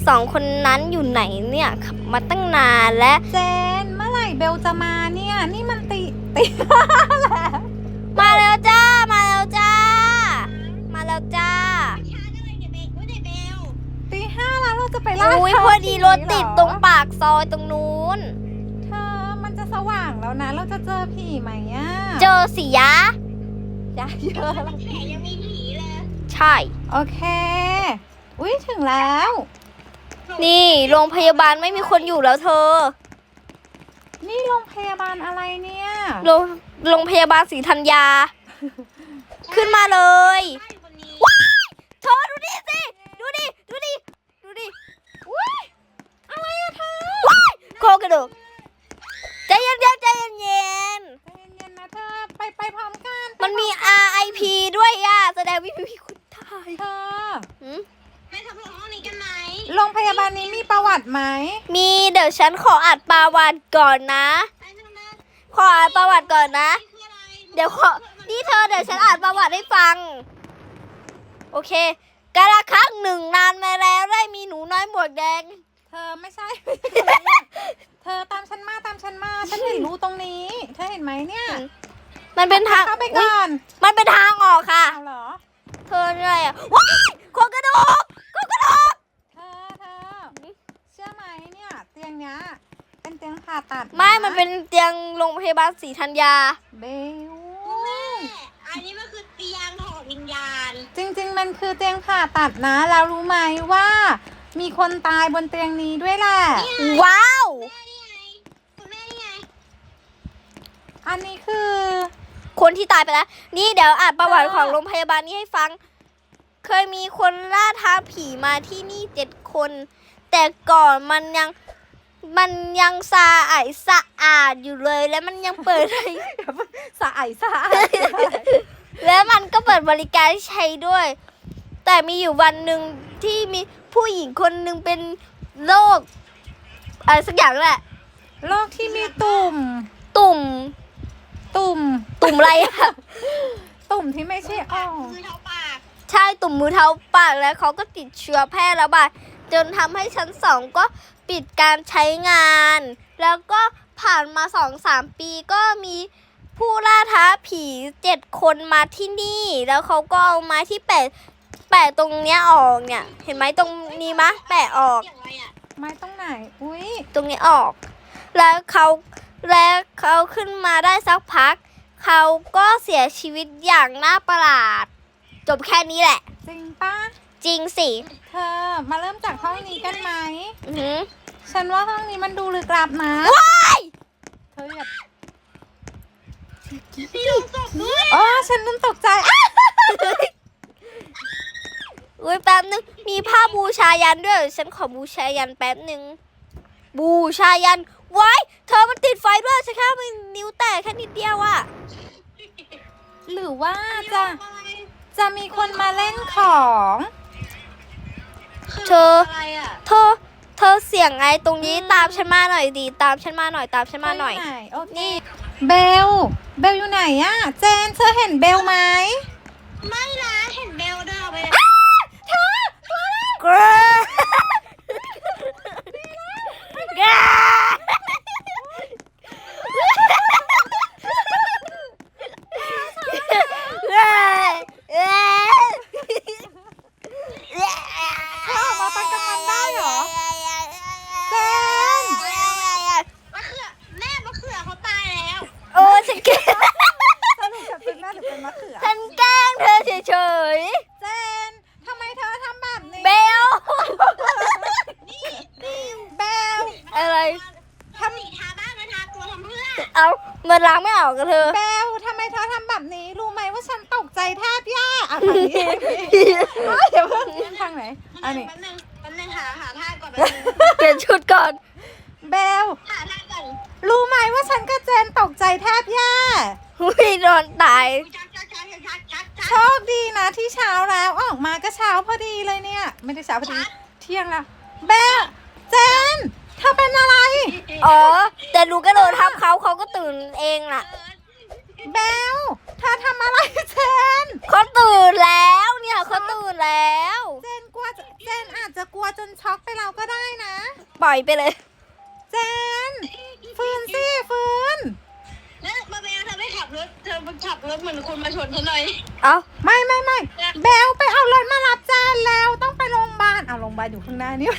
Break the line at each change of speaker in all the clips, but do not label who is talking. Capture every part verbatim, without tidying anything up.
สองคนนั้นอยู่ไหนเนี่ยขับมาตั้งนานแล้ว
เจนเมื่อไหร่เบลจะมาเนี่ยนี่มันตีตีห้าแล้ว
มาแล้วจ้ามาแล้วจ้ามาแล้วจ้า
ตีห้าแล้วเราจะไปล่า
อุ้ยพอดีรถติดตรงปากซอยตรงนู้น
เธอมันจะสว่างแล้วนะเราจะเจอผีไหมอ่ะ
เจอสิยะ
ยะเยอะแล้ว
แผลยังมีผีเลย
ใช่
โอเคอุ้ยถึงแล้ว
นี่โรงพยาบาลไม่มีคนอยู่แล้วเธอ
นี่โรงพยาบาลอะไรเนี่ย
โรงโรงพยาบาลศรีธัญญาขึ้นมาเลยว้ายเธอดูดิสิดูดิดูดิดูดิ
ว้ายอะไรอะเธอ
ว้ายโคกระดูกใจเย็นๆใจเย็นๆใจ
เย็นๆนะเธอไปไปพร้อมกัน
มันมี อาร์ ไอ พี ด้วยอ่ะแสดงวิมีคนตาย
เธอ
ไปทำห้องนี้กันไหม
โรงพยาบาลนี้มีประวัติไหม
มีเดี๋ยวฉันขออ่านประวัติก่อนนะขออ่านประวัติก่อนนะเดี๋ยวขอนี่เธอเดี๋ยวฉันอ่านประวัติให้ฟังโอเคกาลครั้งหนึ่งนานมาแล้วได้มีหนูน้อยหมวกแดง
เธอไม่ใช่เธอตามฉันมาตามฉันมาฉันเห็นรูตรงนี้เธอเห็นไหมเนี่ย
มันเป็นทาง
เข้าไปก่อน
มันเป็นทางออกค่ะ
เอาเหรอ
เธอเหนื่อยอ่ะว้ายโครงกระดูกโครงกระดูก
เธอเธอเชื่อไหมเนี่ยเตียงเนี้ยเป็นเตียงผ่าตัด
ไม่มันเป็นเตียงโรงพยาบาลศรีธัญญา
เบล
แม่อันนี้มันคือเตียงถอดวิญญาณ
จริงๆมันคือเตียงผ่าตัดนะแล้วรู้ไหมว่ามีคนตายบนเตียงนี้ด้วยแหละ
ว้าว
คุณแม่นี่ไง
อันนี้คือ
คนที่ตายไปแล้วนี่เดี๋ยวอ่านประวัติของโรงพยาบาลนี้ให้ฟังเคยมีคนล่าท้าผีมาที่นี่เจ็ดคนแต่ก่อนมันยังมันยังสะอาดสะอาดอยู่เลยและมันยังเปิดให้
สะอาดสะอาด
แล้วมันก็เปิดบริการใช้ด้วยแต่มีอยู่วันหนึ่งที่มีผู้หญิงคนหนึ่งเป็นโรคอะไรสักอย่างแหละ
โรคที่มีตุ่ม
ตุ่ม
ตุ่ม
ตุ่มอะไรอะ
ตุ่มที่ไม่ใช่อ่อง
มือเท้าปาก
ใช่ตุ่มมือเท้าปากแล้วเขาก็ติดเชื้อแพร่ระบาดจนทำให้ชั้นสองก็ปิดการใช้งานแล้วก็ผ่านมาสองสามปีก็มีผู้ล่าท้าผีเจ็ดคนมาที่นี่แล้วเขาก็เอาไม้ที่แปะแปะตรงเนี้ยออกเนี่ยเห็นไหมตรงนี้มะแปะออก
ไม้ตรงไหนอุ้ย
ตรงนี้ออกแล้วเขาแล้วเขาขึ้นมาได้สักพักเขาก็เสียชีวิตอย่างน่าประหลาดจบแค่นี้แหละ
จริงปะ
จริงสิ
เธอมาเริ่มจากห้องนี้กันไหม
อือ
ฉันว่าห้องนี้มันดูลึกลับนะ
ว้าย
เธออย่า
พี่ลุงตกด้วย
อ๋อฉันนึกตกใจ
อุ้ยแป๊บนึงมีผ้าบูชายันด้วยฉันขอบูชายันแป๊บนึงบูชายันไว้เธอมันติดไฟด้วยฉันแค่มันนิ้วแตกแค่นิดเดียวอะ
หรือว่าจะจะมีคนมาเล่นของ
เธอเธอเธอเสียงไงตรงนี้ตามฉันมาหน่อยดีตามฉันมาหน่อยตามฉันมาหน่อย
นี่เบลเบลอยู่ไหนอะเจนเธอเห็นเบลไหม
ไม่นะเห็นเบลเดินไป
เธอ
เกรเกร
มาตั้งกำลังได้เหรอเจน
มะเขือแม่มะเขือเขาตายแล้ว
โอ้ฉันแกล้ง
สรุปจะเป็นแม่หรือเป็นมะเขือ
ฉันแกล้งเธอเฉย
ๆเจนทำไมเธอทำแบบนี้
เบล
นี่
เบล
อะไร
ทำสีทาบ้านมาทาตัวทำเพื่อ
เอาเงินล้างไม่ออกกับเธอ
เบลทำไมเธอทำแบบนี้รู้ไหมว่าฉันตกใจแทบแย่อ่ะทางนี้เดี๋ยวเพิ่งทางไหนอันนี้
แป๊บนึงแป๊บนึงหาหาท่าก่อน
เปลี่ยนชุดก่อน
เบล
หาท่าก่อน
รู้ไหมว่าฉันกับเจนตกใจแทบแย่
ไม่โดนตาย
โชคดีนะที่เช้าแล้วออกมาก็เช้าพอดีเลยเนี่ยไม่ได้เช้าพอดีเที่ยงแล้วเบลเจนเธอเป็นอะไร
อ๋อแต่หนูก็โดนทับเขาเขาก็ตื่นเองน่ะ
เบลเธอทำอะไรเจน
เขาตื่นแล้วเนี่ยเขาตื่นแล้ว
เจนกลัวจะเจนอาจจะกลัวจนช็อกไปเราก็ได้นะ
ปล่อยไปเลย
เจนฟื้นสิฟื้น
แล้วมาเบลเธอไม่ขับรถเธอมาขับรถเหมือนคนมาชนเธอหน่อย
เอา
ไม่ไม่ไม่เบลไปเอารถมารับเจนแล้วต้องไปโรงพยาบาลเอาโรงพยาบาลอยู่ข้างหน้านี่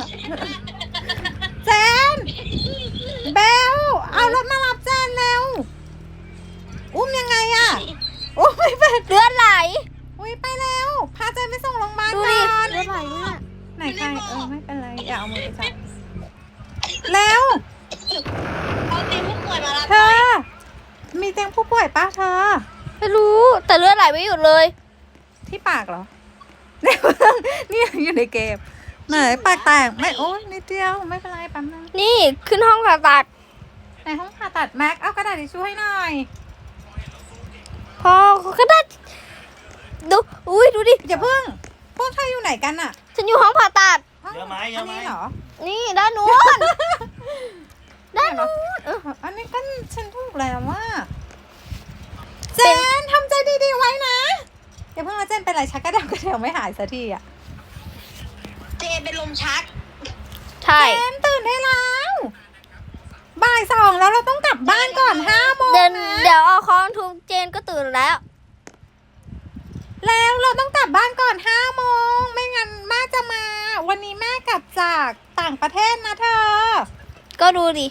เจนเบลเอารถมารับเจนแล้วอุ้มยังไงอะอุ้มไม่เป็น
เลือดไหล
อุ้ยไปแล้วพาเจนไปส่งโรงพยาบาล
ดู
ก่
ดิ
อน
เลือดไหลเนี่ย
ไหนใครเออไม่เป็นไรอย่าเอามือไปจับแล้ว
เอาเตียงผู้ป่วยมารับ
เธ
หน่
อ
อย
มีเตียงผู้ป่วยปะเธอ
ไม่รู้แต่เลือดไหลไม่หยุดเลย
ที่ปากเหรอ นี่อยู่ในเกมไหนปากแตกไม่โอ้ยนิดเดียวไม่เป็นไรแป๊บนึง
นี่ขึ้นห้องผ่าตัด
ในห้องผ่าตัดแม็กเอากระดาษทิชชู่ให้หน่อย
พอเขาก็ได้ดูอุ้ยดูดิ
อย่าเพิ่งพวกเธออยู่ไหนกันอะ
ฉันอยู่ห้องผ่าตัด
อ้าว
เยอะไหมเย
อั
อะ
น
ไหม
นี้เหรอ
นี่ด้านนู้น ด้านนู้นเออ
อันนี้ก็ฉันถูกแล้วว่าเจนทำใจดีๆไว้นะอย่าเพิ่งมาเจนเป็นไรชักกระเดากระเดวไม่หายสักทีอะ
เจเป็นลมชัก
ใช่
เจนตื่นได้แล้วบ่ายสองแล้วเราต้องกลับบ้านก่อนห้าโมง
เดิน
นะ
เดี๋ยวเอาค้อนทุบเจนก็ตื่นแล้ว
แล้วเราต้องกลับบ้านก่อนห้าโมงไม่งั้นแม่จะมา วันนี้แม่กลับจากต่างประเทศนะเธอ
ก็ดูดิ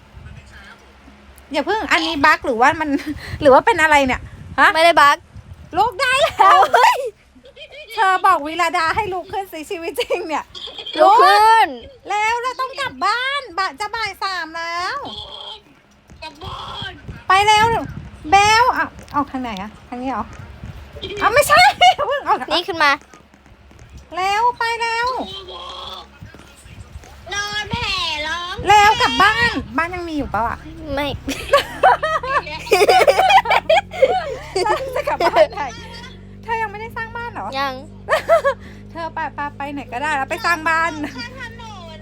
อย่าเพิ่งอันนี้บั๊กหรือว่ามัน หรือว่าเป็นอะไรเนี่ยฮะ
ไม่ได้บัก
ลุกได้แล้วเธอบอกวิลาดาให้ลุกขึ้นสิชีวิตจริงเนี่ย
ลุกขึ้น
แล้วเราต้องกลับบ้านบ่ายจะบ่ายสามแล้ว
กลับบ้าน
ไปแล้วเบลอ่ะออกทางไหนอะทางนี้เหรอเอาไม่ใช่ อย่าเพิ่งออก
นี่ขึ้นมา
แล้วไปแล้ว
นอนแผ่ร้อง
แล้วกลับบ้านบ้านยังมีอยู่เปล่าอะ
ไม่
จะกลับบ้านไหนเธอยังไม่ได้สร้างบ้านเหรอ
ยัง
เธอไปไปไปไหนก็ได้แล้วไปสร้างบ้าน
ข้างถนน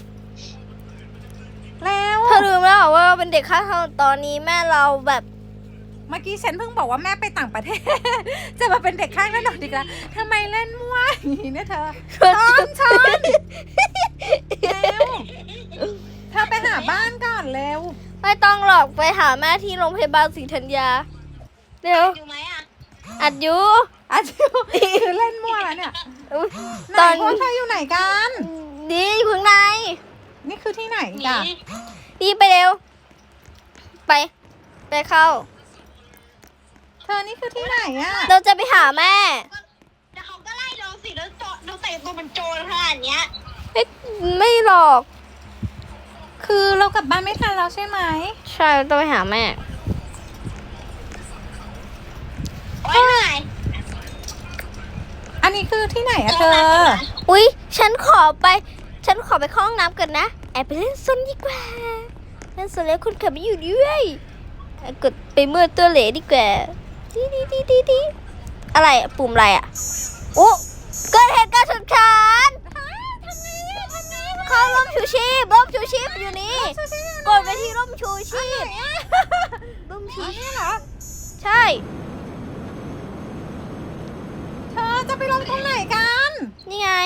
แล้ว
เธอลืมแล้วเหรอว่าเราเป็นเด็กข้างถนนตอนนี้แม่เราแบบ
เมื่อกี้ฉันเพิ่งบอกว่าแม่ไปต่างประเทศ จะมาเป็นเด็กข้างถนนอีกแล้วทำไมเล่นมั่วอย่างนี้เนี่ยเธอช้อนช้อนเร็วเธอไปหาบ้านก่อนเร็ว
ไม่ต้องหรอกไปหาแม่ที่โรงพยาบาลศรีธัญญาเดี๋ยว
อยู่ไหมอ่ะ
อัดอยู
อาชิวคือเล่นมั่วแล้วเนี่ย
อุ๊ย
ไหน
ตอน
พวกเธออยู่ไหนกัน
ดีอยู่ข้างใน
นี่คือที่ไหน
หนี
กัน
ดีไปเร็ว ไป ไปเข้า
เธอนี่คือที่ไหนอะ
เราจะไปหาแม่
แต่เขาก็ไล่เราสิแล้วโจเราแต่งตัวเป็นโจรขนาดเนี้ย
ไม่ไม่หรอก
คือเรากลับบ้านไม่ทันแล้วใช่ไหม
ใช่ต้องไปหาแม่
โอ้ยเหนื่อย
อันนี้คือที่ไหนอะเธอ
อุ๊ย ฉันขอไป ฉันขอไปเข้าห้องน้ำก่อนนะ แอบไปเล่นซนดีกว่าเล่นซนแล้วคุณขับไม่อยู่ด้วยแอบกดไปเมื่อตัวเหลดีกว่าดีดีดีดีดีอะไรอะปุ่มอะไรอะโอ้เกิดเหตุการณ์ฉุกเฉินเข้าร่มชูชีพร่มชูชีพอยู่นี่ กดไปที่ร่มชูชีพร่มชู
อัน
ชี
นี้
พ
เหรอ
ใช่
เธอจะไปลงตรงไหนกัน
นี่ไง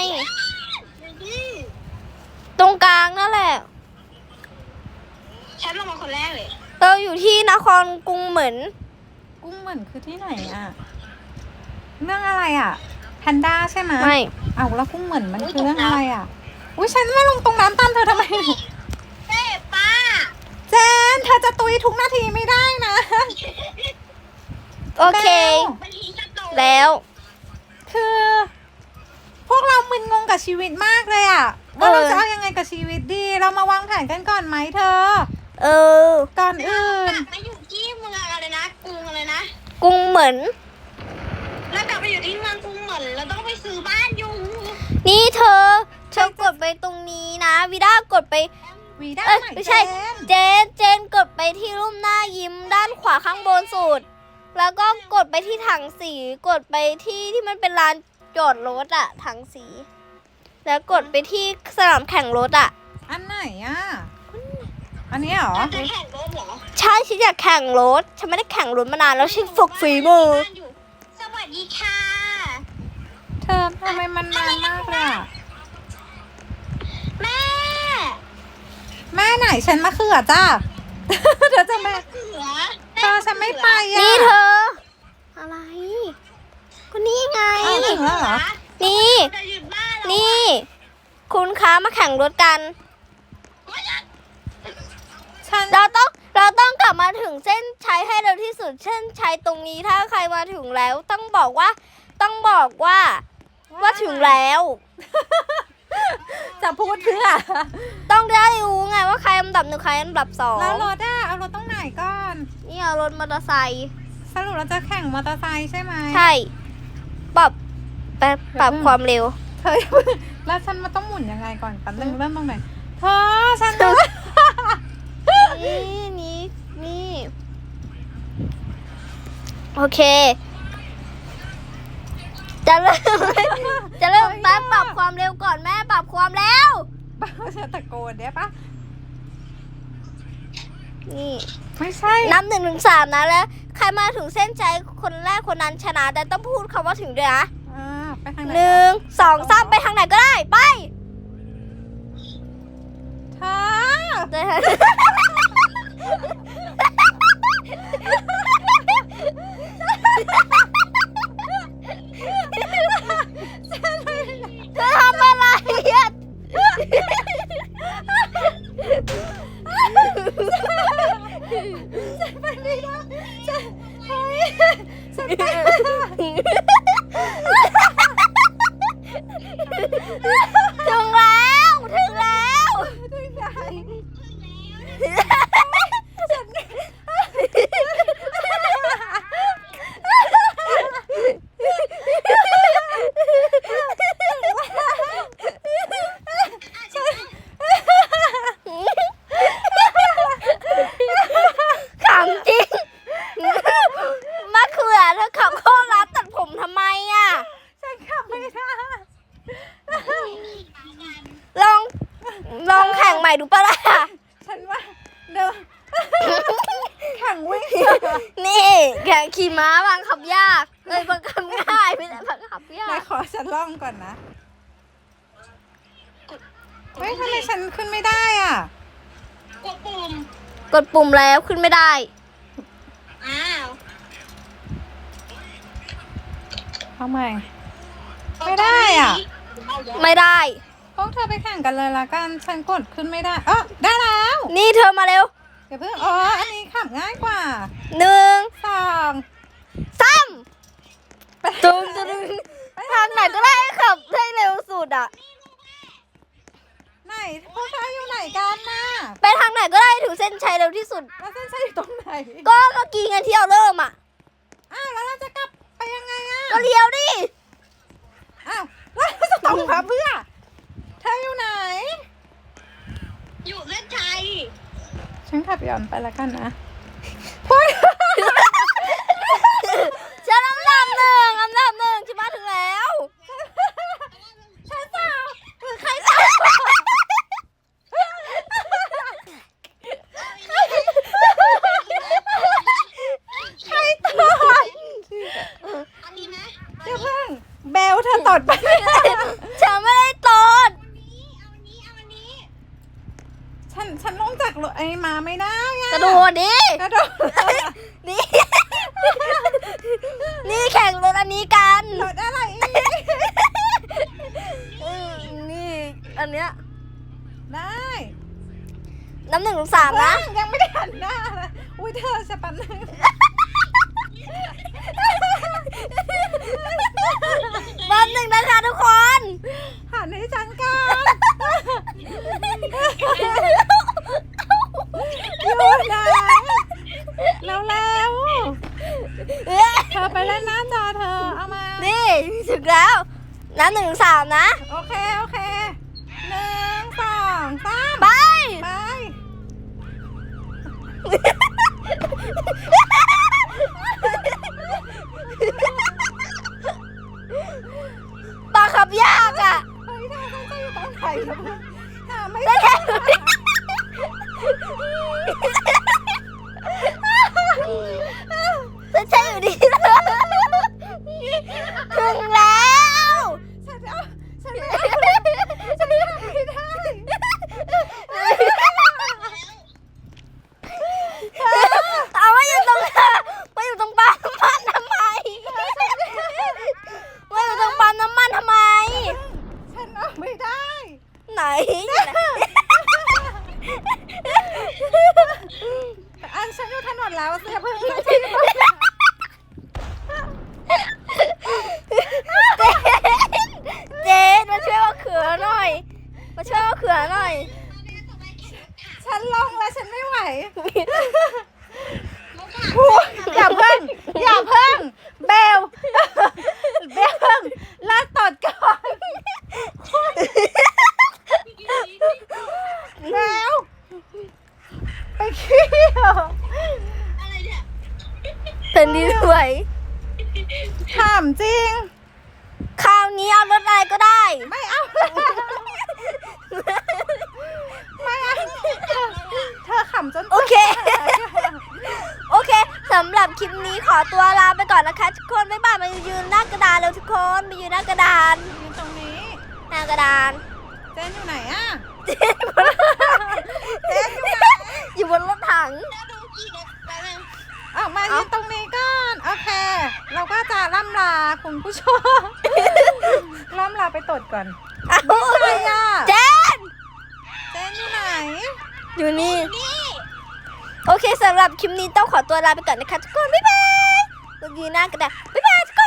ตรงกลางนั่นแหละ
ฉันลงมาคนแรกเลย
เราอยู่ที่นครกรุงเหมือน
กุ้งเหมือนคือที่ไหนอะเรื่องอะไรอะแพนด้าใช่ไหม
ไม่
เอาแล้วกุ้งเหมือนมันคือเรื่องอะไรอะอุ้ยฉันไม่ลงตรงน้ำตามเธอทำไม
เฮ้ป้า
เจนเธอจะตุยทุกนาทีไม่ได้นะ
โอเค
มันทิ้งกระโดด
แล้ว
คือ พวกเรามึนงงกับชีวิตมากเลยอะว่าเราจะเอายังไงกับชีวิตดี เรามาวางแผนกันก่อนไหมเธอ
เออ
ก่อนอื่น
กลับมาอยู่ที่เมืองอะไรนะกรุงอะไรนะ
กรุงเหมือน
แล้วกลับไปอยู่ที่เมืองกรุงเหมือนเราต้องไปซื้อบ้านอยู่
นี่เธอ เธอกดไปตรงนี้นะวิด้ากดไป
วีด้า
เอ้ย
ไหน
ไม่ใช่
เจน
เจน เจนกดไปที่รูปหน้ายิ้มด้านขวาข้างบนสุด แล้วก็กดไปที่ถังสี กดไปที่ที่มันเป็นลานจอดรถอะถังสี แล้วกดไปที่สนามแข่งรถอะ
อันไหนอะอันนี้เหรอ
เราจะแข่งรถเหรอ
ใช่ฉันอยากแข่งรถ ฉันไม่ได้แข่งรถมานานแล้วฉันฝึกฝีมือ
สวัสดีค่ะ
เธอทำไมมันนานมากเลยอะ
แม่
แม่ไหนฉันมะเขือจ้า เธอจะแม่
เขือ
เธอฉันไม่ไปอ่ะ
นี่เธอ อะไร ก็นี่ไง
อ้าวถึงแล้วเหรอ
นี่
จะหยุดบ้านเรา
นี่ คุณคะมาแข่งรถกัน
ฉัน
เราต้องเราต้องกลับมาถึงเส้นชัยให้เร็วที่สุด เส้นชัยตรงนี้ถ้าใครมาถึงแล้ว ต้องบอกว่าต้องบอกว่า ว่าถึงแล้ว
จะพูดเพื่อ
ต้องได้รู้ไงว่าใครอันดับหนึ่งใครอันดับสอง
แล้วรถอะเอารถตรงไหนก่อน
นี่เอารถมอเตอร์ไซค์
สรุปเราจะแข่งมอเตอร์ไซค์ใช่ไหม
ใช่ปรับปรับปรับความเร็ว
เธอ แล้วฉันมาต้องหมุนยังไงก่อนแป๊บนึงเริ่มตรงไหนเธอฉัน
นี่นี่นี่โอเค จะเริ่ม จะเริ่มแป๊บปรับความเร็วก่อนแม่ปรับความเร็ว
บ้าฉันตะโกนได้ปะ
นี่
ไม่ใช่
นับหนึ่งถึงสามนะแล้ว ใครมาถึงเส้นใจคนแรกคนนั้นชนะ แต่ต้องพูดคำว่าถึงด้วยนะ
อ่าไปทางไหน
หนึ่งสองสามไปทางไหนก็ได้ไป
เธอ
เดี๋ยว เธอทำอะไรอ่ะ
ฉันไปไม่ได้ฉันเฮ้ยฉันไป
ถึงแล้วถึงแล้ว
ถึงไหน
ขำจริงมะเขือเธอขับเข้าร้านตัดผมทำไมอ่ะ
ฉันขับไม่ได้
ลอง ลองแข่งใหม่ดูปะล่ะ
ฉันว่าเดินแข่งวิ่ง
นี่แข่งขี่ม้าบังคับยากเลยบังคับง่ายไม่ได้บังคับยา
ไหน
ก
ขอฉันลองก่อนนะเฮ้ยทำไมฉันขึ้นไม่ได้อ่ะ
กดปุ่ม
กดปุ่มแล้วขึ้นไม่ได้
อ้าว
ทำไม ไม่ได้อ่ะ
ไม่ได้
พวกเธอไปแข่งกันเลยละกัน ฉันกดขึ้นไม่ได้เออได้แล้ว
นี่เธอมาเร็ว
เดี๋ยวเพิ่งอ๋อ อันนี้ขับง่ายกว่า
หนึ่ง
สอง
สามตึงตึงทางไหนก็ได้ขับให้เร็วสุดอ่ะ
ไหนพวกเธออยู่ไหนกันน่ะ
ไปทางไหนก็ได้ถึงเส้นชัยเร็วที่สุด
แล้วเส้นชัยอยู่ตรงไหน
ก็เมื่อกี้ไงที่เราเริ่มอ่ะ
อ้าวแล้วเราจะกลับไปยังไงอ่ะ
ก็เลี้ยวดิ
อ้าวแล้วเราจะต้องมาเพื่อ เธออยู่ไหน
อยู่เส้นชัย
ฉันขับย้อนไปแล้วกันนะ
ฉันอันดับหนึ่งอันดับหนึ่งฉันมาถึงแล้ว
ใช่เปล่าหรือใคร ใครตด
อันนี้ไหม
เดี๋ยวเพิ่งเบลเธอตดไป
ฉันไม่ได้ตด
เอาอันนี้ เอาอันนี้
ฉันฉันลงจากรถไอ้มาไม่ได้อะ
กระโดดดิ
กระโดด
นี่ นี่แข่งรถอันนี้กัน
รถอะไรอีก
อืมนี่ อันเนี้ย
ได้
น้ำหนึ่งถึงสามนะ
เพิ่งยังไม่ได้หันหน้าเลยอุ้ยเธอจะปันหนึ่ง
น้ำหนึ่งนะคะทุกคน
หันให้ฉันก่อน อยู่ไหนแล้วแล้วเธอไปเล่นหน้าจอเธอเอามา
นี่ถึงแล้ว น้ำหนึ่งถึงสามนะ
โอเค โอเคหนึ่งสองสาม
ไป
ไป
บังคับยากอ่ะ
เฮ้ยเธอจะอยู่ตรงไหนกันหาไม่
ได้
ได้
แค่อยู่ไหน
อันฉันอยู่ถนนแล้วเสียเพิ่ง
เจนมาช่วยเอาเขือหน่อย มาช่วยเอาเขือหน่อย
ฉันลงแล้วฉันไม่ไหวพูดอย่าเพิ่งอย่าเพิ่งเบลเบลเลิกตดก่อนแล้วไปขี้เหรอ
อะไรเนี่ย
เป็นดีสวย
ถามจริง
คราวนี้เอารถอะไรก็ได้
ไม่เอาแล้วไม่เอาเธอขำจน
โอเค โอเคสำหรับคลิปนี้ขอตัวลาไปก่อนนะคะทุกคนบ๊ายบายมายืนหน้ากระดานแล้วทุกคนมายืนหน้ากระดาน
ยืนตรงนี้
หน้ากระดาน
เจนอยู่ไหนอะเจ
เจ
นอยู่ไหน
อยู่บนรถถัง
แล้วดูกี่เด็กแป๊บนึง
ออกมายืนตรงนี้ก่อนโอเค เราก็จะล่ำลาคุณผู้ชม ล่ำลาไปตดก่อน
เอา
ใครอะ
เจน
เจนอยู่ไหน
อยู่นี่
นี่
โอเคสำหรับคลิปนี้ต้องขอตัวลาไปก่อนนะคะทุกคนบ๊ายบายมายืนหน้ากระดานบ๊ายบายทุกคน